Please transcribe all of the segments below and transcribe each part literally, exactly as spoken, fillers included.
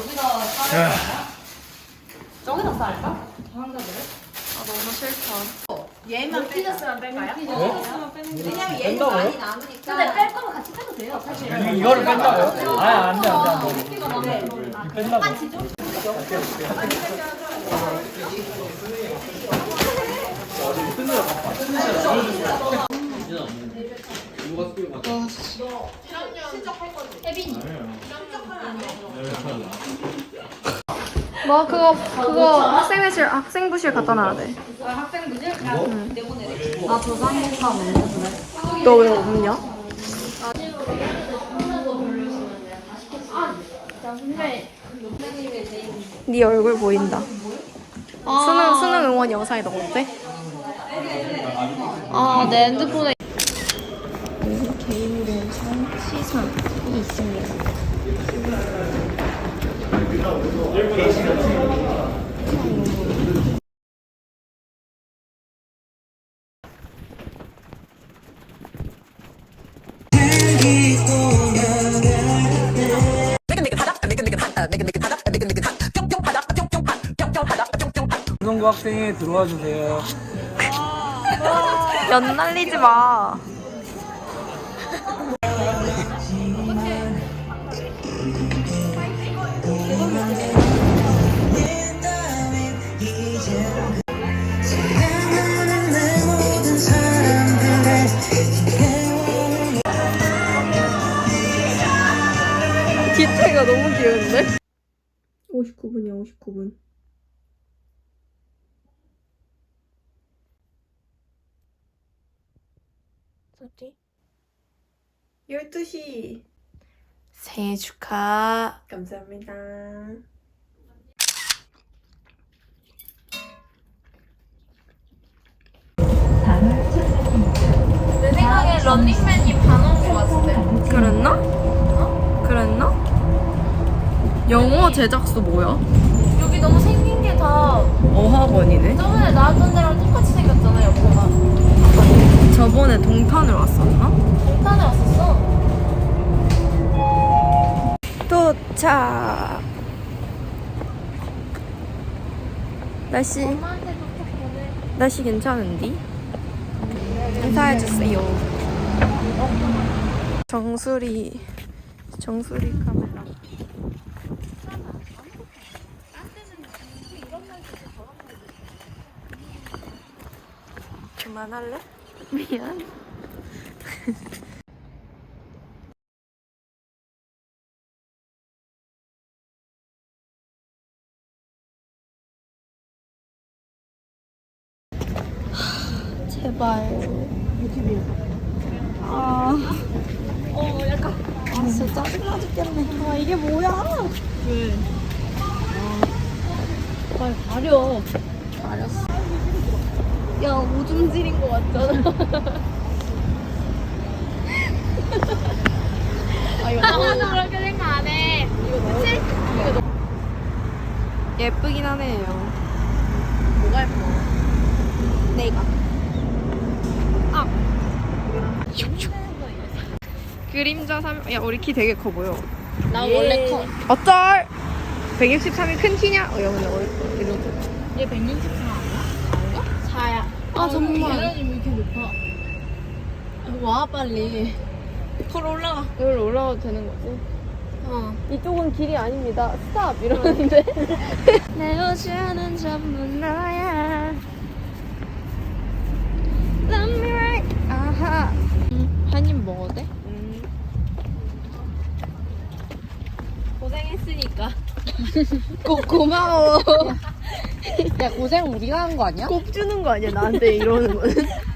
여기다 싸야 되나? 저기다 싸할까? 환자들? 아 너무 싫다. 얘만 피자스만 뺄까요? 피자스만 왜냐면 얘는 뺀다고요? 많이 남으니까. 근데 뺄 거면 같이 빼도 돼요, 사실. 이- 이거를 뺀다고요? 아, 안 돼, 안 돼, 안 돼. 네. 이 뺀다고. 뭐 그거 그거 학생회실 학생부실 갖다 놔야 돼. 아, 학생부실? 응. 내보내래. 아, 저장공감 없네. 너 왜 없냐? 네 얼굴 보인다. 수능 수능 응원 영상이 너무 어때? 아, 내 핸드폰에. 개인의 시선이 있습니다. 방송부 학생이 들어와 주세요. 연 날리지 마. 뒤태가 너무 귀여운데? 오십구 분이야, 오십구 분. 뭐지? 열두 시. 생일 축하. 감사합니다. 내 생각에 런닝맨이 반온 것 같은데. 그랬나? 그랬나? 영어 제작소 뭐야? 여기 너무 생긴 게 다 어학원이네. 저번에 나왔던 데랑 똑같이 생겼잖아, 옆에가. 저번에 동탄을 왔었나? 동탄에 왔었어. 도착. 날씨 엄마한테 부탁 보내. 날씨 괜찮은디? 인사해주세요. 정수리 정수리 카메라. 그만할래? 미안. 제발. 아, 어, 약간. 아, 진짜 짜증나 죽겠네. 아, 이게 뭐야? 왜? 빨리 가려. 알았어. 야, 오줌 지린 거 같잖아. 아, 이거 나도 그렇게 생각 안 해. 그치? 예쁘긴 하네요. 뭐가 예뻐? 내가. 아. 그림자 삼. 야, 우리 키 되게 커 보여. 나 원래 커. 어쩔. 백육십삼이 큰 키냐? 어, 야, 근데 어디 이러고. 얘 백육십삼 아니야? 아닌가? 사야. 아, 정말. 계란이 왜 이렇게 높아? 와, 빨리. 걸어 올라가. 여기로 올라가도 되는 거지? 어. 이쪽은 길이 아닙니다. 스탑 이러는데. 내 우주는 전부 너야. Love me right. 아하. 한 입 먹어도 돼? 음. 고생했으니까. 고, 고마워. 야, 고생 우리가 한 거 아니야? 곱 주는 거 아니야 나한테 이러는 거는.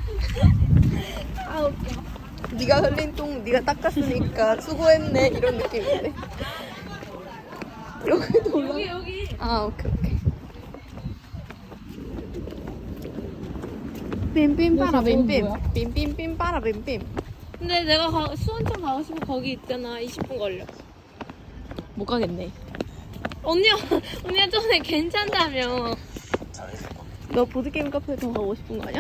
아, 웃겨. 네가 흘린 똥 네가 닦았으니까 수고했네 이런 느낌인데. 여기도 올라. 여기, 여기. 아 오케이 오케이. 빔빔 빠라 빔빔. 뭐야? 빔빔빔 빠라 빔빔. 근데 내가 가, 수원청 가고 싶으면 거기 있잖아. 이십 분 걸려. 못 가겠네. 언니야, 언니가 전에 괜찮다며. 너 보드게임 카페 더 가고 싶은 거 아니야?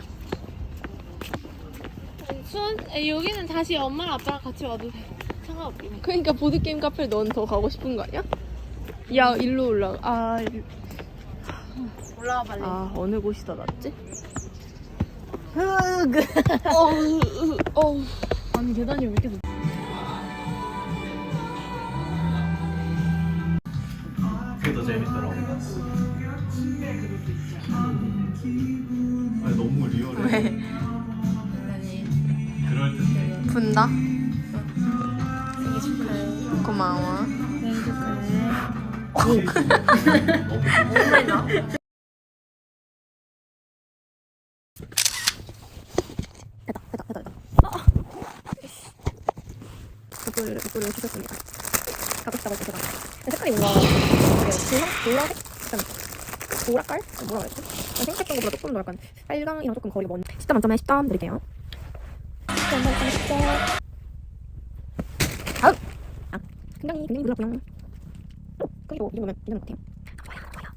수원, 에, 여기는 다시 엄마랑 아빠랑 같이 와도 돼. 상관없긴 해. 그러니까 보드게임 카페 넌 더 가고 싶은 거 아니야? 야, 일로 올라가. 아, 일- 올라와 빨리. 아 어느 곳이 더 낫지? 흑. 어우, 어우. 아니 계단이 왜 이렇게 높? 그게 더 재밌더라고. 아니 너무 리얼해. 왜? 그럴 듯해. 분다? 생일 축하해. 고마워. 생일 축하해. 너무 됐다, 됐다, 됐다, 됐다. 이거를, 이거를 주셨습니다. 가고 싶다고 해서 제가. 색깔이 뭔가 되게 보라, 보라색? 약간 보라깔? 뭐라 그랬지? 생각했던 것보다 조금 더 약간 빨강이랑 조금 거리가 먼. 십 점 만점에 십 점 드릴게요. 십 점 만점에 십 점. 다음! 아, 굉장히, 굉장히 놀랐고요. 크기도 이 정도면 괜찮은 것 같아요.